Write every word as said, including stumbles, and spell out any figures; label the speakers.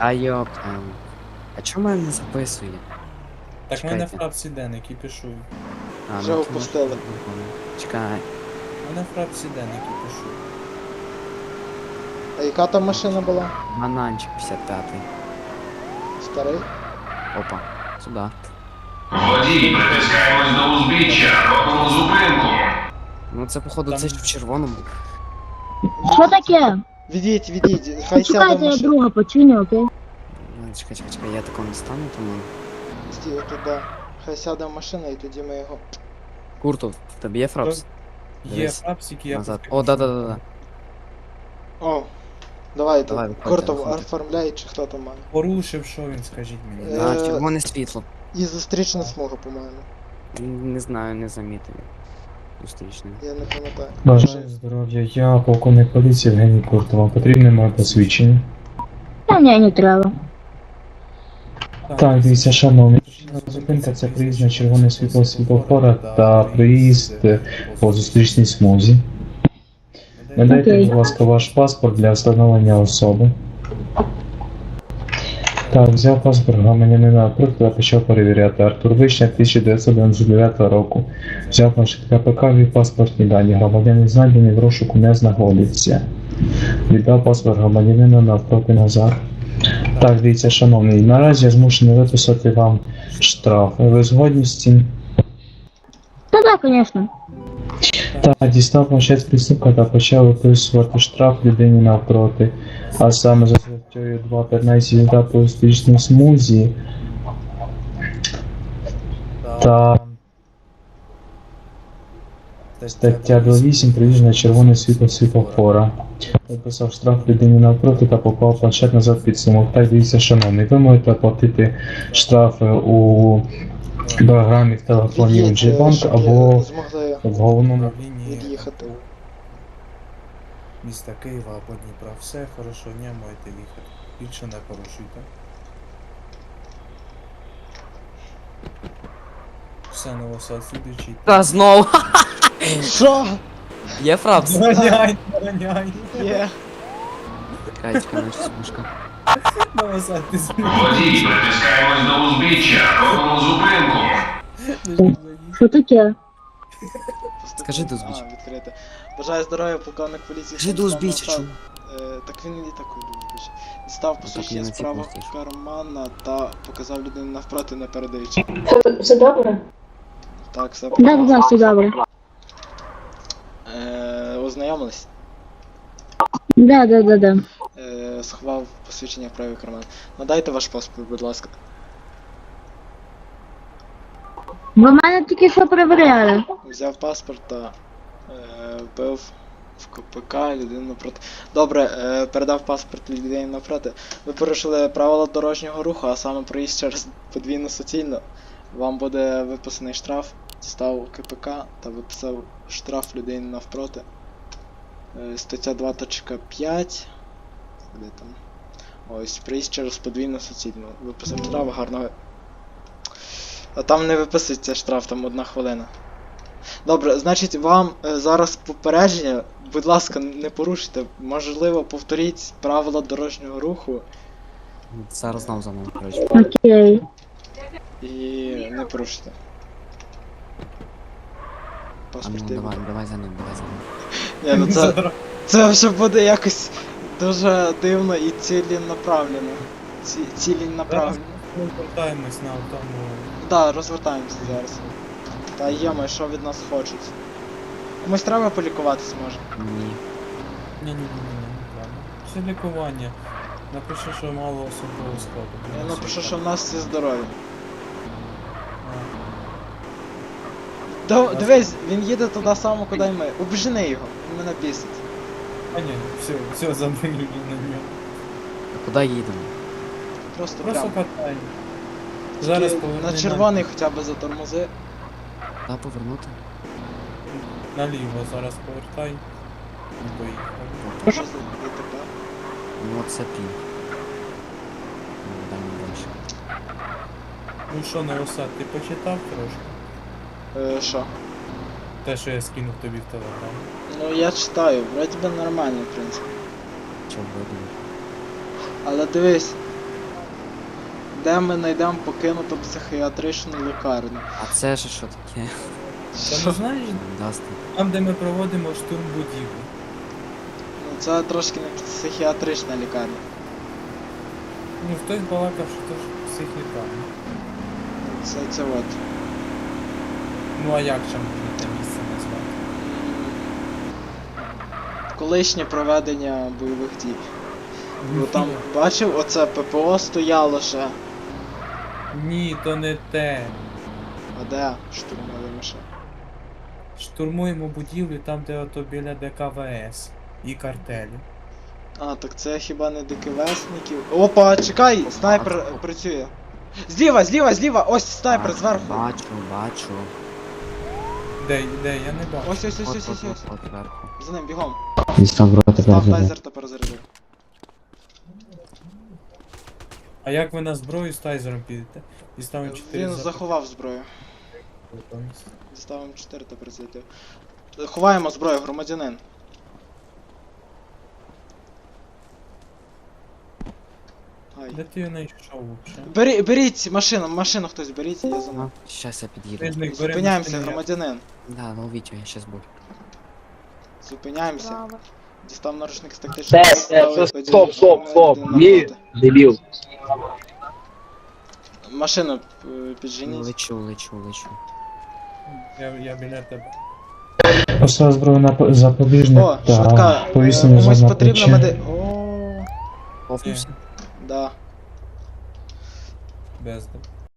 Speaker 1: А йопта. А чому мене не записує?
Speaker 2: Так в мене
Speaker 1: Чекайте.
Speaker 2: фрапсі Ден, який пишу.
Speaker 1: А,
Speaker 3: Вже
Speaker 1: ну, то
Speaker 3: опустили.
Speaker 1: може, не помню. Чекай.
Speaker 2: У мене фрапсі Ден, який пишу.
Speaker 3: А яка там машина була?
Speaker 1: Бананчик п'ятдесят п'ятий.
Speaker 3: Старий?
Speaker 1: Опа. Сюда.
Speaker 4: Водій, притискаємось до узбіччя, робимо зупинку.
Speaker 1: Ну це походу
Speaker 2: Там-
Speaker 1: це ж в червоному.
Speaker 5: Що таке?
Speaker 3: Відійдь, відійдь, хай сяде
Speaker 5: Чекайте, я
Speaker 3: машина.
Speaker 5: друга починю, окей?
Speaker 1: Ну, чекай, чекай, чекай, я такого не стану, тому.
Speaker 3: Стій туди. Хай сяде машина і тоді ми його.
Speaker 1: Курту, в тебе є фрапс?
Speaker 2: Є
Speaker 1: Дивись.
Speaker 2: фрапсик, я
Speaker 1: Назад.
Speaker 2: пускаю.
Speaker 1: О, да, да, да, да.
Speaker 3: О! Давай,
Speaker 1: Давай,
Speaker 3: тут
Speaker 1: виходьте,
Speaker 3: Кортов
Speaker 1: виходьте.
Speaker 3: оформляй, чи хто там має.
Speaker 2: Порушив, що він, скажіть мені.
Speaker 3: Е,
Speaker 1: Да, червоне світло.
Speaker 3: І зустрічна смуга, по-моєму.
Speaker 1: Не знаю, не замітив. Зустрічне.
Speaker 3: Я не пам'ятаю.
Speaker 6: Бажаю здоров'я, я полковник поліції Євгеній Куртов. Вам потрібне моє посвідчення?
Speaker 5: Та ні, не треба.
Speaker 6: Так, дивіться, шановні. Зупинка це приїзд на червоне світло світлофора та приїзд по зустрічній смузі. Надайте,
Speaker 5: Окей.
Speaker 6: будь ласка, ваш паспорт для встановлення особи. Так, взяв паспорт громадянина Артур та почав перевіряти. Артур Вишня тисяча дев'ятсот дев'яносто дев'ятого року. Взяв ваш КПК від паспортні дані. Громадянин знайдений в розшуку не знаходиться. Віддав паспорт громадянина навпроти Назар. Так, дивіться, шановний, наразі я змушений виписати вам штраф. Ви згодні з цим?
Speaker 5: Та так, звісно.
Speaker 6: Так, дістав планшет присипка та почав виписувати штраф людині навпроти. А саме за статтею два п'ятнадцять їзда по успішній смузі та стаття два вісім приїзд на червоне світло світлофора. Виписав штраф людині навпроти та поклав планшет назад під сумок. Так, дивіться, шановний, ви можете оплатити штрафи у програмі в телефоні
Speaker 3: Від'їдь,
Speaker 6: G-Bank
Speaker 3: щоб
Speaker 6: або
Speaker 3: змогли
Speaker 6: в головному.
Speaker 2: Управління
Speaker 3: від'їхати.
Speaker 2: міста Києва або Дніпра. Все хорошо, не можете їхати. Більше не порушуйте. Все, новосад слідуючий.
Speaker 1: Та знову!
Speaker 3: Що?
Speaker 1: Є фрапс?
Speaker 2: Доганяй, доганяй.
Speaker 3: Є.
Speaker 1: Чекай, чекай, наче смужка.
Speaker 2: Новосад, ти
Speaker 4: Водій, притискаємось до узбіччя, робимо зупинку.
Speaker 2: змінив.
Speaker 5: Що таке?
Speaker 1: Скажи до узбіччя.
Speaker 3: А, відкрите. Бажаю здоров'я, полковник поліції.
Speaker 1: Скажи до
Speaker 3: Станіслав
Speaker 1: узбіччя,
Speaker 3: Новосад.
Speaker 1: чому?
Speaker 3: Е, Так він і так вибачте. Дістав посвідчення
Speaker 1: на
Speaker 3: з
Speaker 1: ці
Speaker 3: правого
Speaker 1: пустиш.
Speaker 3: кармана та показав людину навпроти, не передаючи.
Speaker 5: Все добре?
Speaker 3: Так, все.
Speaker 5: Да, да, все добре.
Speaker 3: Е, Ознайомились?
Speaker 5: Да, да, да, да.
Speaker 3: Е, Сховав посвідчення в правий карман. Надайте ваш паспорт, будь ласка.
Speaker 5: Ви мене тільки що перевіряли.
Speaker 3: Взяв паспорт та е, вбив в КПК людину напроти. Добре, е, передав паспорт людині напроти. Ви порушили правила дорожнього руху, а саме проїзд через подвійну суцільну. Вам буде виписаний штраф. Став КПК та виписав штраф людині навпроти. Е, стаття два точка п'ять. Де там? Ось, проїзд через подвійну суцільну. Виписав штраф, гарного. А там не виписується штраф, там одна хвилина. Добре, значить вам е, зараз попередження, будь ласка, не порушуйте, можливо, повторіть правила дорожнього руху
Speaker 1: Зараз знов за мною, коротше.
Speaker 5: Окей.
Speaker 3: і не порушуйте.
Speaker 1: А ну
Speaker 3: Паспорт є.
Speaker 1: давай, давай за ним, давай за ним.
Speaker 3: Ні, ну це, це вже буде якось дуже дивно і ціленаправлено. Ці, ціленаправлено.
Speaker 2: Ми повертаємось на тому.
Speaker 3: Так, да, розвертаємося зараз. Та йома, що від нас хочуть? Комусь треба полікуватись може.
Speaker 1: Ні.
Speaker 2: Ні-ні-ні, не треба. Це лікування. Напиши, що мало особового складу.
Speaker 3: Я напишу, що в нас всі здорові.
Speaker 2: А,
Speaker 3: До, дивись, він їде туди само, куди й ми. Обжени його, він мене бісить.
Speaker 2: А ні, все, все, забили на нього.
Speaker 1: А куди їдемо?
Speaker 3: Просто,
Speaker 2: Просто
Speaker 3: прямо.
Speaker 2: катай. Зараз
Speaker 3: Тільки
Speaker 2: поверни
Speaker 3: на червоний хоча б затормози.
Speaker 1: Та повернути?
Speaker 2: Наліво зараз повертай. І поїхали.
Speaker 3: Що за ДТП?
Speaker 1: Ну от це пін. Ну, дай мені дальше.
Speaker 2: Ну що, Новосад, ти почитав трошки?
Speaker 3: Е, що?
Speaker 2: Те, що я скинув тобі в телеграм.
Speaker 3: Ну я читаю, вроді би нормально, в принципі.
Speaker 1: Чого видно?
Speaker 3: Але дивись, де ми знайдемо покинуту психіатричну лікарню.
Speaker 1: А це ж що таке?
Speaker 2: Та не знаєш,
Speaker 1: Дасти.
Speaker 2: там де ми проводимо штурм будівлі.
Speaker 3: Ну це трошки не психіатрична лікарня.
Speaker 2: Ну хтось балакав, що то ж психлікарня.
Speaker 3: Це, це от.
Speaker 2: Ну а як ще можна те місце назвати?
Speaker 3: Колишнє проведення бойових дій. Бо там бачив, оце ППО стояло ще.
Speaker 2: Ні, то не те.
Speaker 3: А де штурмові машини?
Speaker 2: Штурмуємо будівлю там, де ото біля ДКВС і картелі.
Speaker 3: А, так це хіба не ДКВСників? Опа, чекай! Снайпер працює. Зліва, зліва, зліва! Ось снайпер
Speaker 1: Бачу,
Speaker 3: зверху!
Speaker 1: Бачу, бачу.
Speaker 2: Де, де, я не бачу.
Speaker 3: Ось, ось, ось,
Speaker 1: От,
Speaker 3: ось,
Speaker 1: от,
Speaker 3: ось,
Speaker 1: от,
Speaker 3: ось.
Speaker 1: от, зверху.
Speaker 3: За ним, бігом.
Speaker 7: Десь там в рота
Speaker 3: Став
Speaker 7: перезаряд.
Speaker 3: тайзер та перезарядив.
Speaker 2: А як ви на зброю з тайзером підете? Діставимо чотири
Speaker 3: Він
Speaker 2: за-
Speaker 3: заховав зброю.
Speaker 2: Готовність.
Speaker 3: Діставимо чотири та перезарядив. Ховаємо зброю, громадянин. Ай.
Speaker 2: Де ти її знайшов взагалі?
Speaker 3: Бері, беріть машину, машину хтось беріть, я за ним.
Speaker 1: Ну, щас я під'їду.
Speaker 2: Тижник беремо
Speaker 3: Зупиняємося,
Speaker 2: машину, я-
Speaker 3: громадянин.
Speaker 1: Да, ну Вітю, я щас буду.
Speaker 3: Зупиняємося. Дістав наручник з тактичного.
Speaker 7: Стоп,
Speaker 3: ставив
Speaker 7: стоп,
Speaker 3: один-
Speaker 7: стоп, стоп, стоп.
Speaker 3: один
Speaker 7: Ні,
Speaker 3: навпроти.
Speaker 7: дебіл.
Speaker 3: Машину е,
Speaker 1: Ну,
Speaker 3: підженіть.
Speaker 1: лечу, лечу, лечу.
Speaker 2: Я, я біля тебе.
Speaker 6: Поставив зброю на по- запобіжник
Speaker 3: О,
Speaker 6: та
Speaker 3: швидка.
Speaker 6: повісив
Speaker 3: Комусь
Speaker 6: на
Speaker 3: потрібно
Speaker 6: плече.
Speaker 3: меди. О,
Speaker 1: Офнувся?
Speaker 3: да.
Speaker 2: Бездом.